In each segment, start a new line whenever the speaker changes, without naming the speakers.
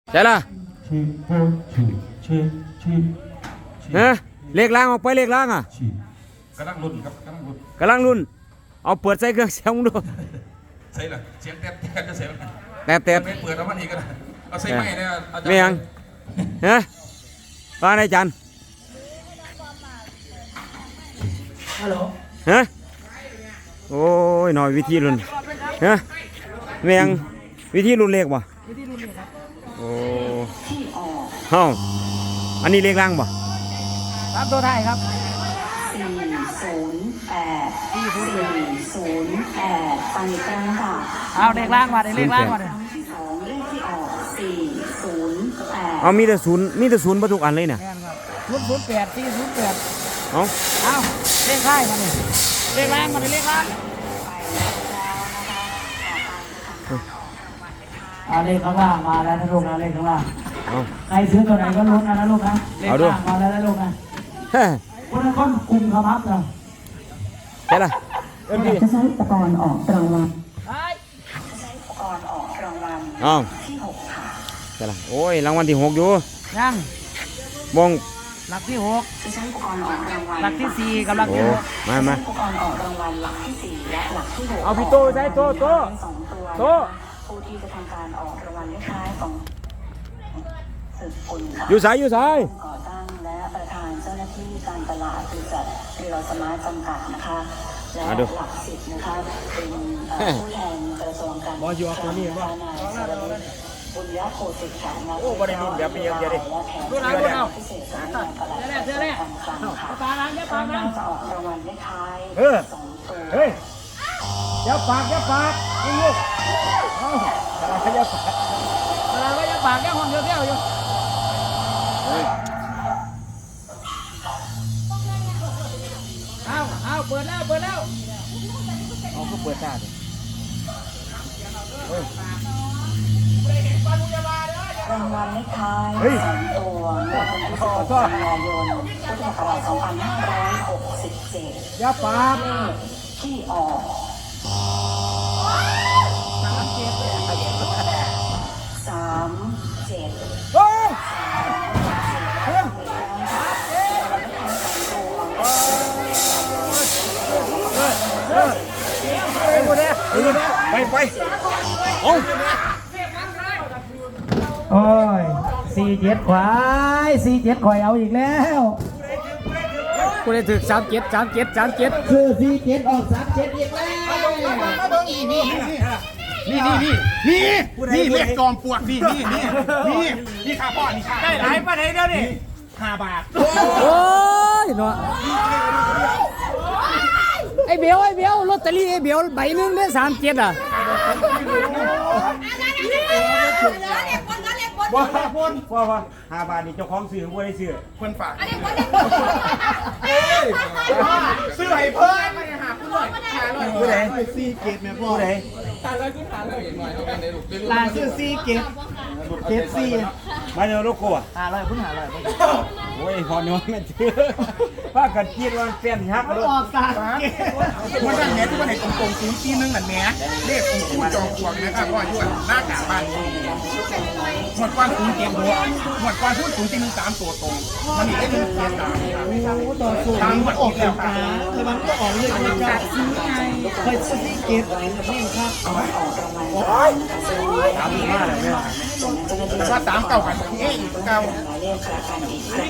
ใช่ล่ะฮะเลขล่างออกไปเลขล่างอ่ะ
กำลังลุ้นครับกำลังลุ้น
กำลังรุ่นเอาเปิดใส่เครื่องเสียงดู
ใช่เหรอเสียงแตบจะเสียง
แต่
ไม่เปิดเอามันอีกก็ได้เอาใส่ไม้เนี่ยอาจารย์
ไม่ยังฮะว่าไงจัน
ฮัลโหล
ฮะโอ้ยหน่อยวิธีรุ่นฮะไม่ยังวิธีรุ่นเลขบ่
วิธีรุ่นนี้ครับ
โอ้เฮ้าอันนี้เลขล่างบ่
ตามตัวไทยครับ
408 408ฟังอีกครั้งค่ะ
เอาเลขล่างมาเลขล่างมาเลย
ครั้งที่สองเลขที่ออก408
เอามีแต่ศูนย์มาทุกอันเลยเนี่ย
แม่นครับ008 408
เอา
เอาเลขท้ายมาเลยเลขล่างมาเลยเลขล่างเลขข้างล่างมาแล้วนะลูกนะเลขข้างล่าง
เอา
ใครซื้อตัวไหนก็ลุ้นนะลูกนะเลข
เอาดู
ล่างมาแล้วนะลูกนะ
เฮ้ย
คนละคนกลุ่มขมับนะ
ใช่ล่ะเอิ้นพี่
จะใช้อุปกรณ์ออกรางวัล
ไอ้
ใช้อุปกรณ์ออกรางวัล
เอา
ที่6ค่ะ
ใช่ล่ะโอ้ยรางวัลที่6อยู่
ยัง
บง
หลักที่
จะใช้อุปกรณ์ออกรางวัล
6หลักที่ 4กับหลัก
โอ้
ที่
มา
ใช้
มา
อุปกรณ์ออกรางวัลหลักที่4และหลักที่6
เอาพี่โต้ใช้โต้
สองตัว
โต้
ผู้ที่จะทำการออกรางวัลเลขท้ายของสืบคุณค่ะ
อยู่สายอยู่สาย
ก่อตั้งและประธานเจ้าหน้าที่การตลาดบริษัทเรือสมาร์ทจำกัดนะคะและหลักสิบนะคะเป็นผู้แทนกระทรวงการคลังนะคะนายสรวุฒิบุญยโคสิทธิ์ค่ะโอ้บริษัทแบบนี้เยอะๆดิพิเศษสำนักงานตลาดกระทรวงการคลังค่ะ
ปลาล้างเยอะปลา
ข้างห
ล้า
น้าง จะออกรางวัลเลขท้าย2 ตัว
เฮ้ยอย่าปากลูกเอาอย่าปาก
ปลาล้างก็ยังปากยังห้องเที่ยวอยู่เอาเปิดแล้ว
เอาก็เปิดหน้าดิ
รางวัลเลขท้าย2 ตัวงวดวันที่16 กันยายนพุทธศักราช2567
อย่าปาก
เลขที่ออก37
เฮ้ยไปเอา
โอ้ย47ควาย47ควายเอาอีกแล้ว
กูได้ถึก37
คือ47ออก37อีกแล้ว
นี่เลขจอมปลวกนี่ค่าพ่อนี่ค่าได้หลายประเทศเดียวนี่5 บาท
โอ้ยเนาะไอ้เบลลอตเตอรี่ไอ้เบลใบหนึงได้37อ่ะ
ว่า5 บาทนี่เจ้าของซื้อบ่ได้ซื้อ
เพื่อนฝากซื้อให้เพื่อนหาผู้หน่อย
ผู้ใด
ซีเกตแม่พ่อ
ผู้ใด
ลาซื้อ4เก็บ4
มาเดี๋ยวโลโก้อะ
500พุ่น500
โอ้ยพอน้อยมันซื้อพากันคิดว่าเปลี่ยนฮัก
มัน
รถ
ออก3เก็บ
มันนั่นแม่ทุกคนเห็นตรงๆ0 1นั่นแม่เลขของผู้จอมปลวกนะครับพ่อยุ่นหน้ากากบ้านหมดกว้าง0 7หัวหมดกว้าง0 1 3ตัวตรงมันอีกได้1 7 3
ต่อสู้
ตามหมดออกแล้วครับ
แต่มันก็ออกเลยมันจะซื้อไงเคยซื้อ4เก็บนี่ครับ
ออกรางวัลนะคะซึ่งเลขที่ออกรางวัลเจ้าหน้าที่
แต่ว่า3 เก่ากันเองเก่า
หมายเลขประกันอีกครั้ง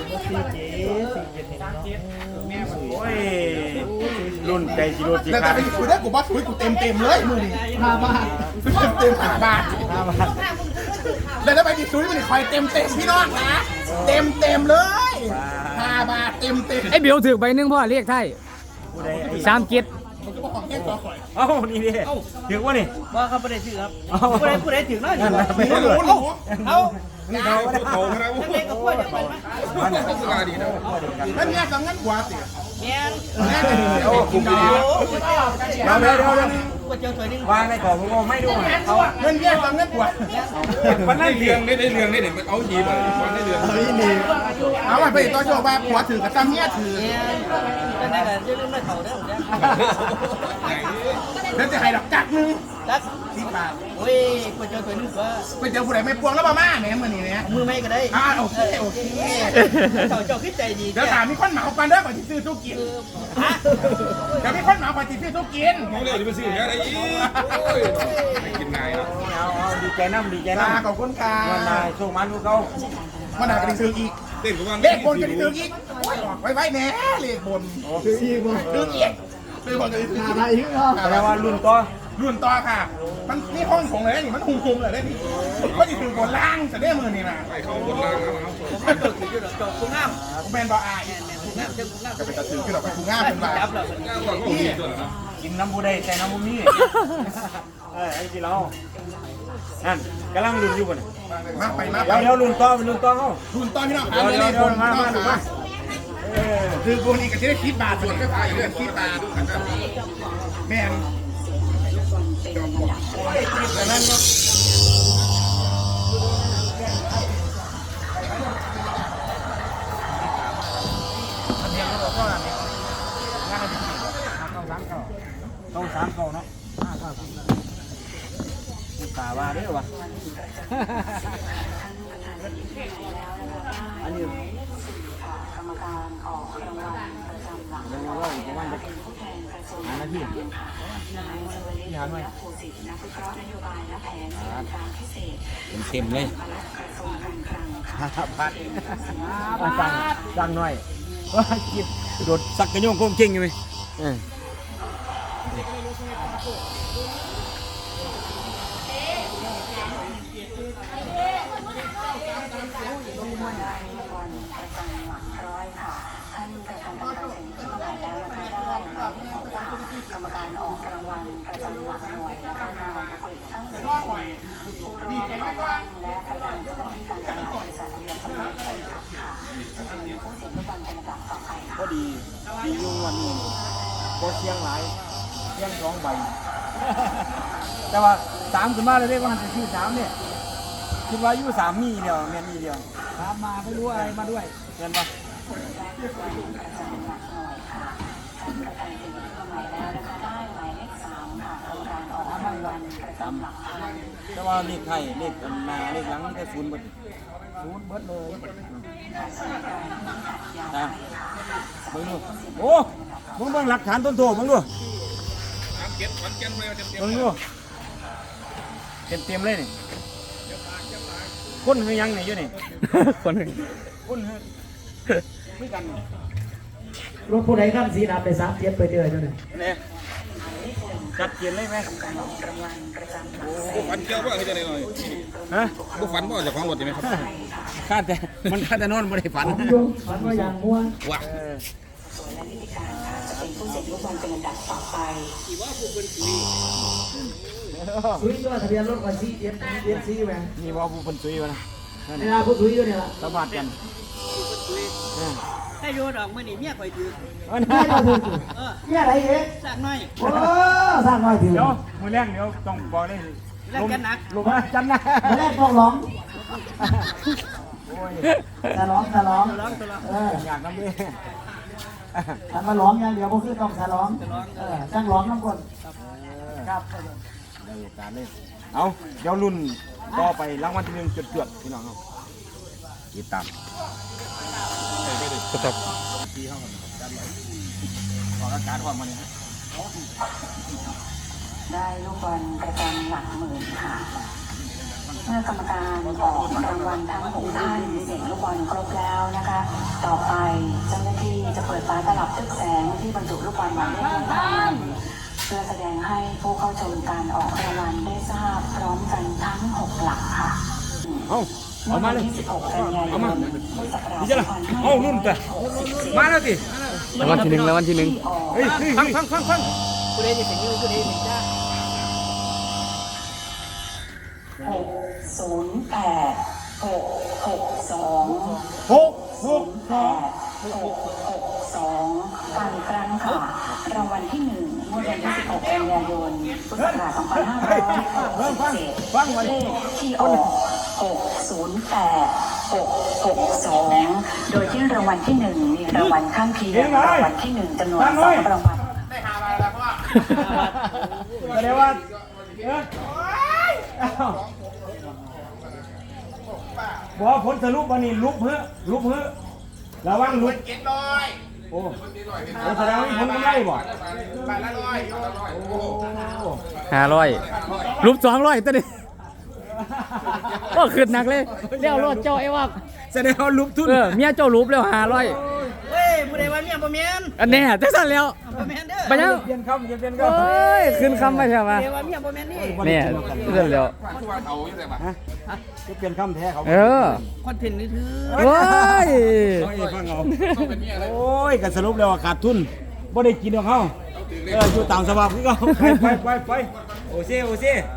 โอ้ยรุ่นใจสิรุ่นสิ
แล้ว
ค
แต่
รับ
เป็นคุยได้กูบอสคุยกูเต็มเลยมือนี่
5 บาท
เต็ม5 บาทแล้วถ้าไปดิซุยมันคอยเต็มพี่น้องนะเต็มเลย5 บาทเต็ม
ไอ้เบลถือใบหนึงพ่อเรียกไทย
ผู้ใดไอ้
3เก็บ
มันก็บอกของแค่ตัวข่อย
เอ้านี่ดิถึงว่านี่
ว่าเขาไม่ได้ถือครับ
เอ้า
ผู้ใดถือน้อย
นั่นนะไม่
ไม่
รู้
รู้
เลย
เอา นี่เขาเขาครับมันก็สกาดีนะนั่นเนี่ยสังงั้นกว่าสิ
เนี่ย
โอ้คุ้มดี
เดี๋ยววางในกล่องผมไม่ดูเอา
เงินเนี่ยสังงั้นกว่า
มันนั่น
เรื่องได้เรื่องได้เด็กเอาหีบมันได้เรื่องเอาไปต่อโชว์ไปผัวถือกับซ้ำเนี่ยถือแล้วจะให้ดอกจักนึง
รัก
10 บาท
โอ้ยก๋วยเตี๋ยวตัวนึงก็
ไปเจอผู้ใดไม่พวงแล้วบ่มาแม่มื้อนี้แม่
มือไม่ก็ได้
โอเคโอเค
เจ้าขึ้นใจดี
เดี๋ยวถามมีคนเหมากันเด้อก่อนสิซื้อทุกกิน
ฮะ
เดี๋ยวมีคนเหมาก่อนสิซื้อทุกกิน
เขาเลยจะไปซื้ออะไรอีกโอ้ยไม่กินนายเนาะ
เอาดีใจน้ำดีใจน้ำ
ขอบคุณค่ะ
วันนายส่งมันพวกเขา
มันอาจจะได้ซื้ออีก
เต้นกับว่า
เลขบนก็ได้ซื้ออีกโอ้ยออกไว้แน่เลขบน
ซื้ออีกบ่
ซื้ออีกซื้อบนก็ได้ซื้ออีก
อะไรอีกเนาะ
แปลว่ารุ่นต่อ
รุ่นต่อค่ะ มันนี่ห้องของเลยนี่มันหุมๆเลยได้นี่ก็จะถือบนล่างจะได้มือนี่นะ
ไปเขาบนล่างเอา
ผมตัวคืออยู่ดอกจอกกุ้งงาม
ผมเป็นบ่อาย
กุ้งงามเจ้ากุ้งงาม
ก็เป็นตะถือขึ้นออกไปถุงง่ามเป็นบ่า
จับแล้ว
ง่ายกว่าเขาดีตัวนะ
กินน้ำบูได้ใส่น้ำบูนี่ไอ้ที่เรานั่นกำลังรุ่นอยู่บน
มาไปมาไป
เดี๋ยวรุ่นต่อเป็นรุ่นต่อเขา
รุ่นต่อพี่น้องหา
เดี๋ยว
เล
เดี๋ยว
ขบ
เดี๋ยวน มา
พี่น้อง
ดูมา
หาถือบนอีกก็จะได้10 บาทส่วนก็ขายเรื่อง10 บาทแม่นดังนั้นเนาะ
ต้องสามเก่าเนาะตาว่าเด้อวะอันนี้
กรรมการออกรางวัลประจำหลัก
เดี๋ยวเราอีกประมาณ5 นาที
นายสวริตนักภูสิทธิ์นักวิเคราะห์นโยบายและแผนการพิเศษ
เต็มเลย
กระทรวงการคลังค่ะ
พัดสั่งหน่อยว่ากินโดดสักกระโยงโค้งเก่งอยู่ไหม
ได้รางวัลประจำหลักร้อยค่ะท่านประธานกรรมการเซ็นชื่อหมายแล้วนะคะได้หมายเลขของว่ากรรมการออกรางวัลประจำหลักหน่วยนะคะนายกฤษทั้ง10 คนผู้ร่วมก่อตั้งและประธานเจ้าหน้าที่การตลาดบริษัทเรือสำนักงานค่ะจะเป็นผู้เสียงลูกบอลเป็นลำดับต่อไปค่ะ
ก็ดียุ่งวันนี้ก็เสียงหลายเสียง2 ใบ แต่ว่า3ขึ้นมาเลยได้ว่าหันไปที่3เนี่ยคิดว่าอยู่3มีเดียวแม่นมีเดียว
ตามมาไม่รู้อะไรมาด้วย
เห็นปะ
ประจำหลักหน่วยค่ะท่านประธานเซ็นชื่อหมายแล้วนะคะได้หมายเลข3ค่ะกรรมการออกรางวัลประจำหลักพัน
แต่ว่าเลขไทยเลขหน้าเลขหลังนี่แต่0เบิด
ศูนย์เบิดเลย
นะเบิ่งดูโอ้เบิ่งหลักฐานต้นโถเบิ่งดู
น้ำเก็บมันเก็บเลยเต็ม
เบิ่งดูเต็มเลยนี่คนคือยังนี่อยู่นี่ คนคนคือไม่กัน
รถผู้ใดขั้นสีดำไป3 เจ็ดไปเดือยเจ้าเนี่ย
เนี่ยจัดเกียนเลยไหม
พวกฝันเกี่ยวว่าคือจะไหนหน่อย
ฮะ
พวกฝันว่าจะของรถใช่ไหมครับ
คาดแต่มันคาดแต่นอนไม่ได้ฝัน
ยุงฝันว่าอย่างม่วง
ว้า
ส่วนและนิติการค่ะจะเป็นผู้เสียงลูกบอลเป็นลำดับต่อไป
ซุยตัวทะเบียนรถก่อนซีเจ็ดเจ็ดซีแหวน
นี่ว่าผู้คนซุยวะนะนั่น
เวลาผู้ซุยอยู่เนี่ยล่ะ
สวัสดกัน
ให้โยนออกมาหนิเมียข่อยถือ
ไม่เราถือเนี่ยอะไรเอ๊ะ
สร้างน้อย
โอ้สร้างน้อยถือ
เดี๋ยวมือแรกเดี๋ยวต้องบอกเลย
แล้วกันหนัก
ลงมาจันนะ
มาแรกต้องร้อง
โอ้ย
จะร้องจะร้อง
ร้องตัวร้อง
อยากน้ำเลย
ถ้ามาร้องอย่างเดียวก็คือต้องจะร้องจ้างร้องน้ำคนครับ
ได้โอกาสเลยเอาเดี๋ยวรุ่นต่อไปรางวัลที่1จดๆพี่น้องเอาติดตามก็ต้องที่เข้ากันออกอากาศความมัน
ได้ลูกบอลประจำหลักหมื่นค่ะ เมื่อกรรมการออกรางวัลทั้ง6ท่านเสียงลูกบอลครบแล้วนะคะ ต่อไปเจ้าหน้าที่จะเปิดฝาตลับทึบแสงที่บรรจุลูกบอลหมายเลขลงไปเพื่อแสดงให้ผู้เข้าชมการออกรางวัลได้ทราบพร้อมกันทั้ง6หลักค่ะ
เอามาเลย
ที่16กันยายนพุทธศักราช
นี่จะละเอารุ่นแต่มาแล้วสิรางวัลที่1รางวัลที่1เฮ้ยฟัง
ผู้ใดจะถึงยืนผู้ใดถึงจ้า
662การครั้งค่ะ รางวัลที่1งวดวันที่16กันยายนพุทธศักราช2567เลขที่ออก608 662 โดยที่รางวัลที่1มีรางวัลข้างเคียงรางวัลที่1จำนวน2รางวัล
ได้หามาแล้วพ่อ
แสดงว่าบอกผลสรุปวันนี้ลุบเพื่อระวังลุบ
เจ็ดร้อย
โอ้แสดงว่าผลกำไรบ่
บาทละร้อย
500รูป200ตัวนี้ก็ขึ้นหนักเลยเรียวรถเจ้าไอ้ว่า
แสดงว่าลุบทุน
เมียเจ้ารูปแล้ว500
เฮ้ยผู้ใดว่าเมียบ่แม่น
อันนี้จังซั่นแล้ว
บ่แม่นเด้อ
ไปยัง
เปลี่ยนคำเปลี่ยนค
โอ้ยขึ้นคำไปใช่ปะ
ผู้ใดว่าเมียบ่แม่นนี่
ำ
เนี่ยเรื่องเดียว
คือว่าเขาอยู่แต่ว่า
จะเปลี่ยนคำแท้เขา
เออ
คอนเทนต์นี่ถือ
โอ้ย
ฟังเอา
ต้องเป็นเมียเลย
โอ้ยกันสรุปแล้วว่าขาดทุนบ่ได้กินของเขาอยู่ตามสภาพคือเขาไปโอเซ่